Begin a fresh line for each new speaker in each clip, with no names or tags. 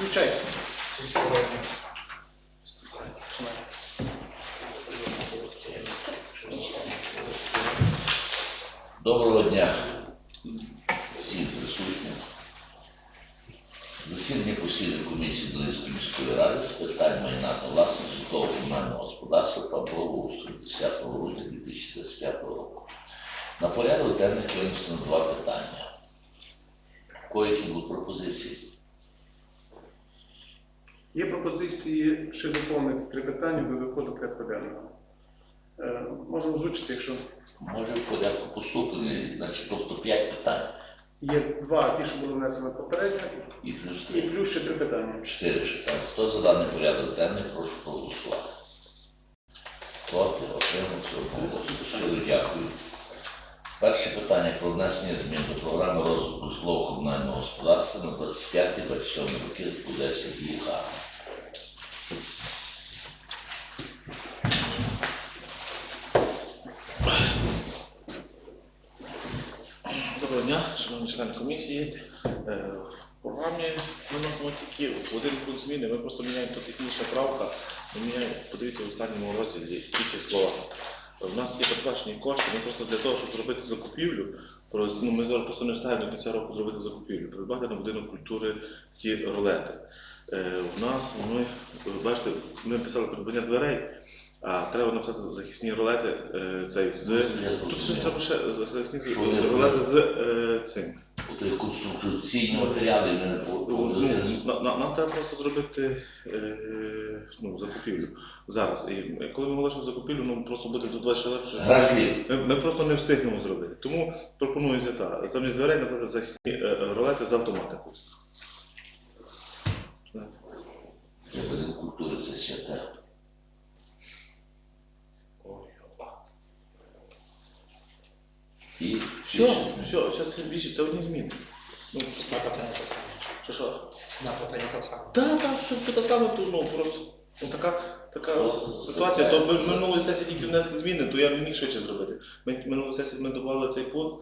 Включайте.
Доброго дня всім присутнім. Засідання постійної комісії Долинської міської ради з питань майна та власності житлово-комунального господарства та благоустрою 10 грудня 2025 року. На порядок денних винесено два питання. Які будуть пропозиції?
Є пропозиції ще доповнити 3 питання до виходу порядку денного. Можу озвучити, якщо...
Може в порядку поступлення, значить, тобто 5 питань.
Є 2, ті, що були внесені попередньо,
І плюс
і
3.
плюс ще 3 питання.
4 питання. Хто за даний порядок денний, прошу проголосувати. Проти, отримався, одноголосно. Щиро дякую. Перше питання про внесення змін до програми розвитку житлово-комунального господарства на 25-27 роки у 10 ГУХ.
Доброго дня, шановні члени комісії. В програмі ми вносимо тільки один пункт зміни, ми просто міняємо тут технічна правка, ми міняємо, подивіться в останньому розділі тільки слова. У нас є передбачені кошти, ми просто для того, щоб зробити закупівлю, ми зараз просто не встигаємо до кінця року зробити закупівлю, придбати на будинок культури ті ролети. У нас, бачите, ми писали придбання дверей, а треба написати захисні ролети Тут ще треба ще захисні ролети з цим.
Конструкційні матеріали не
Нам треба просто зробити закупівлю зараз. І коли ми оголошуємо закупівлю, просто буде до 24 ми просто не встигнемо зробити. Тому пропонується так. Замість дверей написати захисні ролети з автоматикою.
Будинок культури це святе. І
Все, це більше, це одні зміни.
Ціна питання так само.
Що?
Ціна питання так само.
Так, все те саме, просто така ситуація. То ми минулої сесії тільки внесли зміни, то я не міг швидше зробити. Минулої сесії ми додавали цей пункт,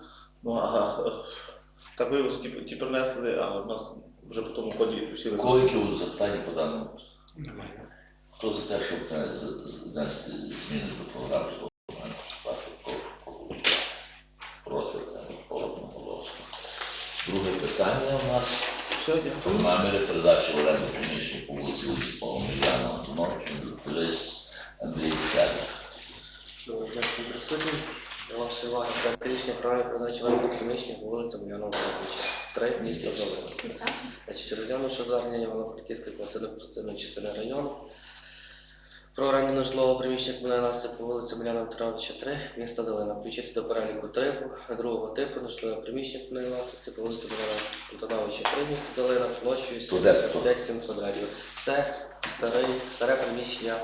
так виявилося, ті принесли, а в нас вже по тому ході всі
виконали. Які будуть запитання по даному?
Немає.
Хто за те, щоб внести зміни до програми житлово-комунального господарства? Проти, одноголосно. Друге питання у нас про наміри передачі в оренду приміщення по вулиці Омеляна Антоновича Андрій Сядик.
Дякую присутнім. До вашої уваги проект рішення програми передачі в оренду приміщення по вулиці Омеляна Антоновича 3, місто Долина. Розглянувши звернення Івано-Франківської квартирно-адміністративної частини району про оренду нежитлового приміщення комунальної власності по вулиці Омеляна Антоновича 3, місто Долина, включити до переліку типу, другого типу нежитлового приміщення комунальної власності по вулиці Омеляна Антоновича 3, місто Долина, площею 75-7 квадратів. Це старе приміщення.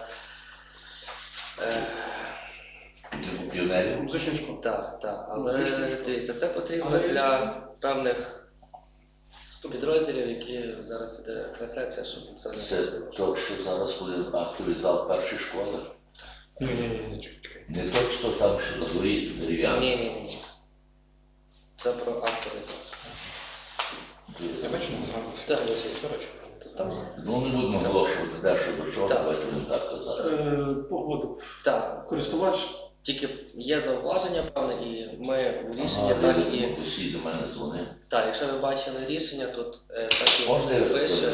Піонерів?
Музична школа.
Так, але дивіться, це потрібно для певних підрозділів, які зараз іде трансляція, щоб це не...
Це то, що зараз буде актовий зал першої школи?
Ні.
Не то, що там, що на дворі дерев'яний?
Ні. Це про актовий зал.
Я бачу, нам згадувався.
Так.
Ну, не будемо оголошувати першу до чого, давайте не так казати.
Погодив.
Так.
Користувач.
Тільки є зауваження, певне, і ми у рішення так і...
Усі до мене дзвонив.
Так, якщо ви бачили рішення, тут так і
Можна я
пише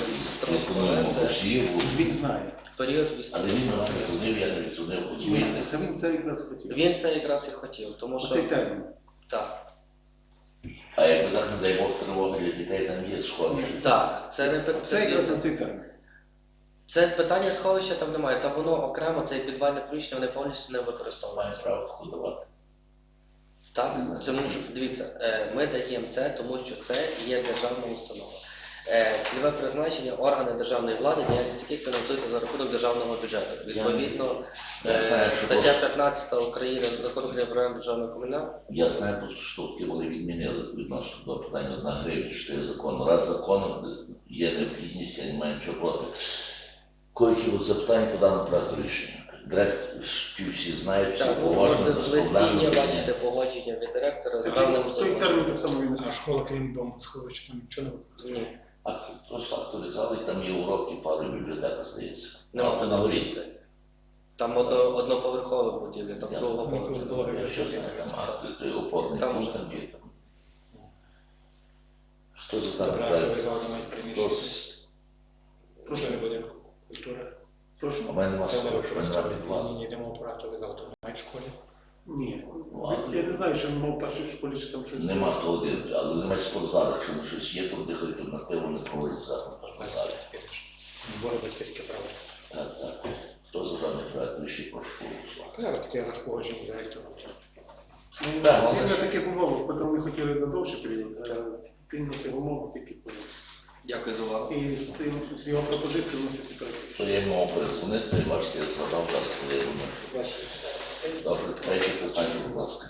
Він знає.
період
Але він на мене дзвонив, я не віддзвонив, подзвонив.
Та він це якраз хотів.
Він це якраз і хотів, тому що...
Оцей термін.
Так.
А якби так, не дай Бог, тривоги для дітей там є сховище?
Так,
Це якраз на цей термін.
Це питання сховища там немає, там воно окремо, це підвальне приміщення, вони повністю не використовуються.
Має право таку давати.
Так, дивіться, ми даємо це, тому що це є державна установа. Цільове призначення органи державної влади, діяльність яких фінансується за рахунок державного бюджету. Відповідно, стаття 15 України Закону України про оренду державного комунального.
Я знаю, просто, що таки вони відмінили відносно до питання 1 гривня, що є закону. Раз законом є необхідність, я не маю нічого проти. Які от запитання по даному проекту рішення? Директор всі знають, всі погоджені.
В листі є, бачите, погодження від директора з певним
Той термін так само він.
А школа, крім дому, сховища, там нічого не використовує?
Ні.
Просто актуалізували, там є уроки, пару бібліотека здається.
Нема
на
такого.
горі.
Там одноповерхова будівля, там
Я
другого
знаю,
поверху.
було
Я що знаю, там той опорний
Там
пункт
вже.
там є. Хто за даний
Добре,
проект?
актуалізувати мають приміщення.
Прошу.
Не будинку культури.
Прошу.
У мене нема
Це
слова,
не
що в мене нема підвалу.
Ні, йдемо про актуалізувати мають в школі.
Ні.
Ладно.
Я не знаю, що мав першій школі, чи там щось.
Нема того, але немає спортзалу, якщо на щось є, то дихати альтернативу не проводять зараз на спортзалі.
Збори батьківське право.
Так. Хто за даний проект рішить, прошу голосувати.
Зараз таке раз погодження з директором.
Ну,
Так,
він
але
на
ж-
таких умовах, потім ми хотіли на довший період, він на тих умовах тільки поряд.
Дякую за увагу.
І з тим, з його пропозицією вноситься проект.
То я йому мав перезвонити, бачите, я згадав зараз своє номер. Добре, третє питання, будь ласка.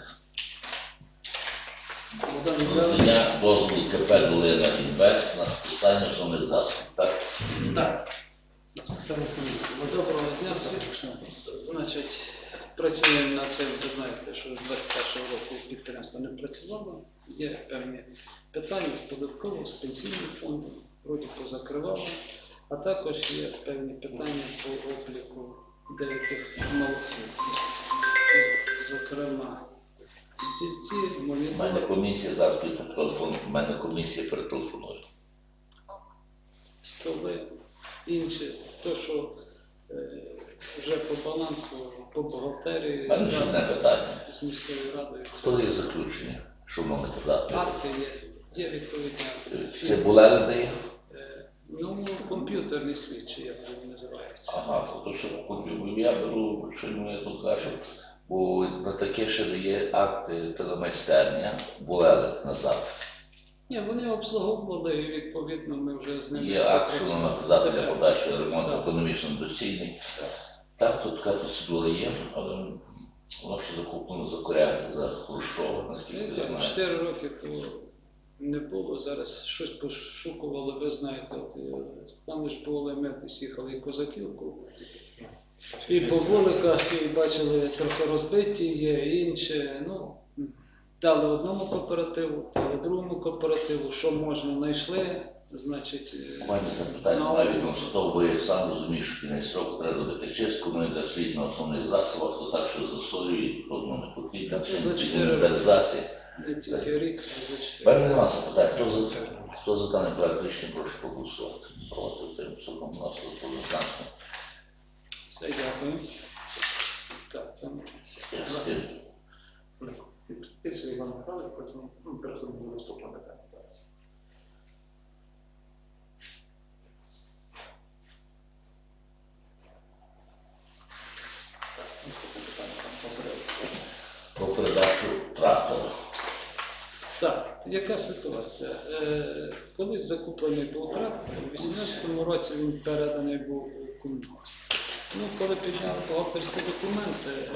Богдан Іванович.
Надання дозволу КП «Долина Інвест» на списання основних засобів, так?
Так. Саме основне.
Доброго дня. Значить, працюємо над тим, ви знаєте, що з 21-го року підприємство не працювало. Є певні питання з податкового, з пенсійним фондом, вроді позакривало, а також є певні питання по обліку деяких молодців. Зокрема, стільці,
У мене
монітори,
комісія зараз тут по телефону, у мене комісія перетелефонує.
столи, інше, то, що вже по балансу, по бухгалтерії,
У мене ще одне питання.
з міською радою.
Хто є заключення, шановний депутат?
Акти є відповідні.
Це Булери дає?
Ну, комп'ютерний слідчий, як він називається.
Ага, то що я беру, що я тут кажу, бо на таке ще дає акти телемайстерня, Булери назад.
Ні, вони обслуговували, і відповідно ми вже з ними...
Є акт, що нам надати для подачі ремонту
Так.
економічно доцільний. Так, тут така процедура є, але воно ще закуплено за Хрущова, наскільки я знаю.
4 роки то не було, зараз щось пошукували, ви знаєте, там ж були, ми десь їхали і Козаківку, і по вуликах, і бачили, трохи розбиті є, і інше, ну, дали одному кооперативу, дали другому кооперативу, що можна, знайшли, значить...
У мене запитання навіть відносно того, бо я сам розумію, що кінець року треба робити чистку, ну і для світ на основних засобах, то так, що засолює, то одно не потрібно,
Так,
все
за
не
чотири
інвентаризація.
Не тільки рік, а за 4.
Певне нема запитань, хто за даний проект рішення, прошу проголосувати. Проти цим судом у нас тут однозначно.
Все, дякую. Так, там...
Я з тим.
Підписує Іван Михайлович, потім переходимо до наступного питання зараз. Наступне питання там попередньо.
Про передачу трактора.
Так, яка ситуація? Колись закуплений був трактор, у 2018 році він переданий був у комунальність. Ну, коли підняли бухгалтерські документи,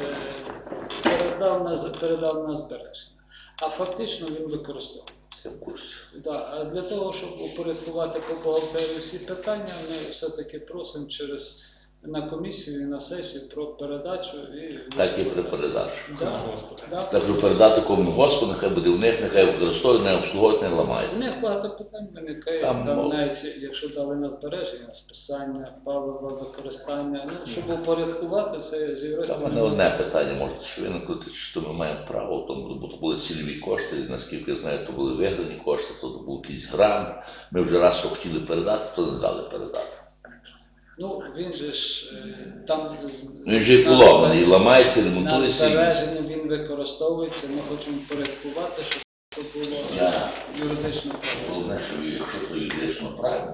передав на збереження. А фактично він використовується.
Я в курсі.
Да, а для того, щоб упорядкувати по бухгалтерії всі питання, ми все-таки просимо на комісію і на сесію про передачу.
Так і при передачі.
Да, да.
Так що передати комунгоспу, нехай буде в них, нехай використовують, не обслуговують, не
У
ламають.
них багато питань виникає,
Там
там,
мов-
навіть якщо дали на збереження, списання, палива, використання, ну, щоб упорядкувати це з
Там
юристами.
мене одне питання може що виникнути, що ми маємо право, тому бо то були цільові кошти, і, наскільки я знаю, то були виграні кошти, то був якийсь грант. Ми вже раз що хотіли передати, то не дали передати.
Ну, він же ж там...
Він вже і поломаний, і ламається, і
На
ремонтується. і-
збереження він використовується, ми хочемо упорядкувати, щоб це було
Я-
юридично правильно.
Головне, що якщо то юридично правильно,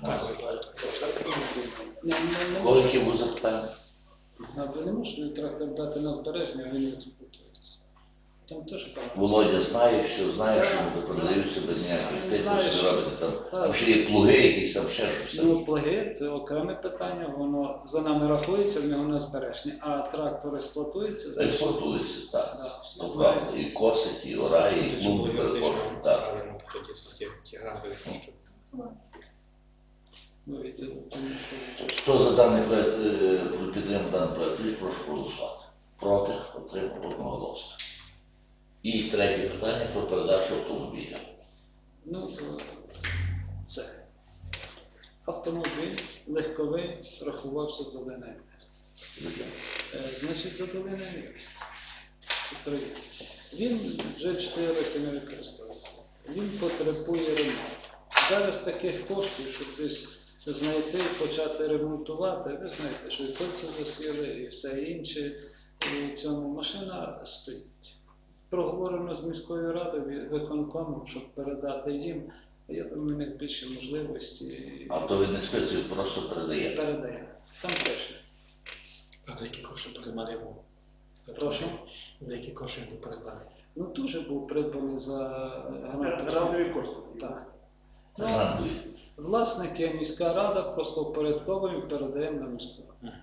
Не
кого
можна,
які будуть запитання?
ви не можете трактор дати на збереження, а він не експлуатується. Там теж багато.
Володя знає, що вони продаються без ніяких тих,
Знаєш,
що робити там.
так.
Там ще є плуги якісь, там ще щось.
Ну, плаги – це окреме питання, воно за нами рахується, в нього на збереження, а трактор експлуатується, значить,
Експортується, так.
да, всі
То
знають.
правда, і косить, і орає, і клумби переходить. Так.
Правильно, тоді ті гранти використовують.
Ну, і тому що
Хто за даний проект, підтримує даний проект, прошу проголосувати. Проти, отримав одноголосно. І третє питання про передачу автомобіля.
ну, це. автомобіль легковий рахувався долиною міста. Значить, за долиною міста. Це Троєщина. Він вже 4 роки не використовується. Він потребує ремонту. Зараз таких коштів, щоб десь знайти і почати ремонтувати, ви знаєте, що і кольця засіли, і все інше. І цьому машина стоїть. Проговорено з міською радою, виконкомом, щоб передати їм. Я думаю, у них більше можливості.
А то ви не списуєте, просто передаєте.
Передаємо. Там пише.
А за які кошти придбаний був?
Прошу.
За які кошти він був придбаний?
Ну, дуже був придбаний за гранату.
Радові кошти.
Так. Ну,
Грантує.
власники міська рада просто впорядковуємо і передаємо на міську раду.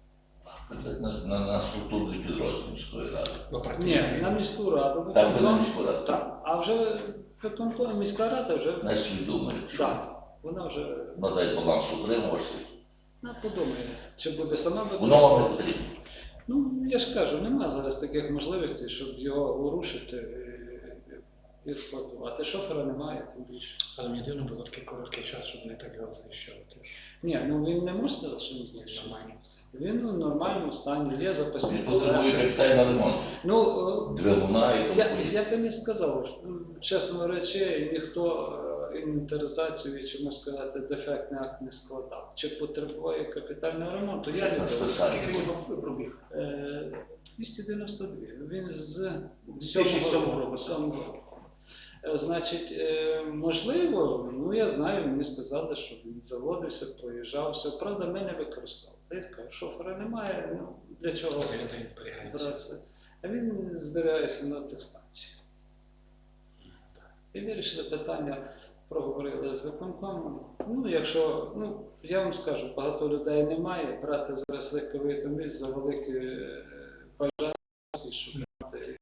На структурний підрозділ міської ради.
Ну,
Ні,
практично.
на міську раду.
Так ви на міську раду?
Так. А вже міська рада вже.
Не свідомий.
Так. Вона вже
Надасть баланс утримувачів.
подумає, чи буде сама
Воно вам не
використовувати.
потрібно.
Ну, я ж кажу, немає зараз таких можливостей, щоб його урушити і експлуатувати. Шофера немає, тим більше.
Але мені дивно було такий короткий час, щоб не так його знищувати.
Ні, ну він не може сказати, що він знищив.
Нормально.
Він у нормальному стані, є запасні
Він потребує
колеса.
капітальний ремонт.
Ну,
Двигуна і тому
я
подібне.
би не сказав, що, чесно речі, ніхто інвентаризацію і, чому сказати, дефектний акт не складав. Чи потребує капітального ремонту? Я не
На
думаю.
списання.
Скільки він пробіг?
292. Він з
2007 року.
7 року. Значить, можливо, ну я знаю, мені сказали, що він заводився, проїжджався. Правда, ми не використовували. Я кажу, шофера немає, ну для чого
Де він зберігається?
братися? А він збирається на атестації. І вирішили питання, проговорили з виконкомом. Ну, якщо, ну, я вам скажу, багато людей немає, брати зараз легковий автомобіль за великі бажання, щоб мати.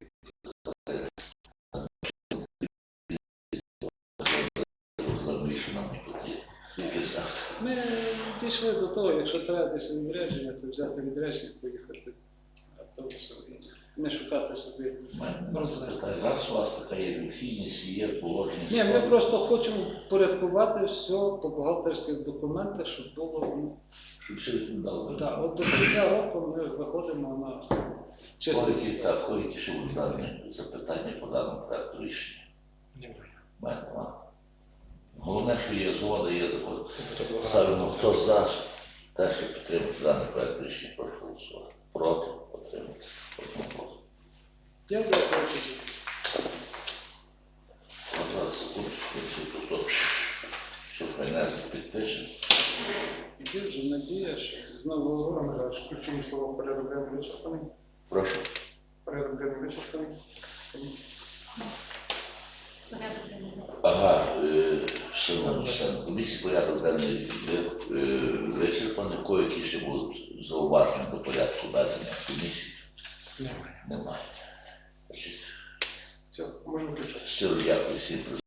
Розумію, що нам не потрібно. Писати.
Ми дійшли до того, якщо треба десь відрядження, то взяти відрядження, поїхати автобусом і не шукати собі.
У мене запитання. Раз у вас така є необхідність, є положення.
Ні, ми просто хочемо порядкувати все по бухгалтерських документах, щоб було. Ну,
Щоб все відповідало.
так, от до кінця року ми виходимо на чистий
Які,
лист.
так, які ще будуть дані запитання по даному проекту рішення?
Немає.
У мене нема. Головне, що є згода, є закон.
Тобто благо.
Ставимо хто за те, щоб підтримати даний проект рішення, прошу голосувати. Проти, підтримати. Одноголосно.
Я дякую тоді.
На 20 секундочку, всі тут все файнально підпишемо.
Є вже надія, що з нового року.
Михайлович, ключові слова порядок денний вичерпаний.
Прошу.
Порядок денний вичерпаний.
Ага, шановні члени комісії, порядок денний вичерпаний. Які ще будуть зауваження до порядку ведення комісії?
Немає.
Немає. Значить,
Все, можна включати.
щиро дякую всім.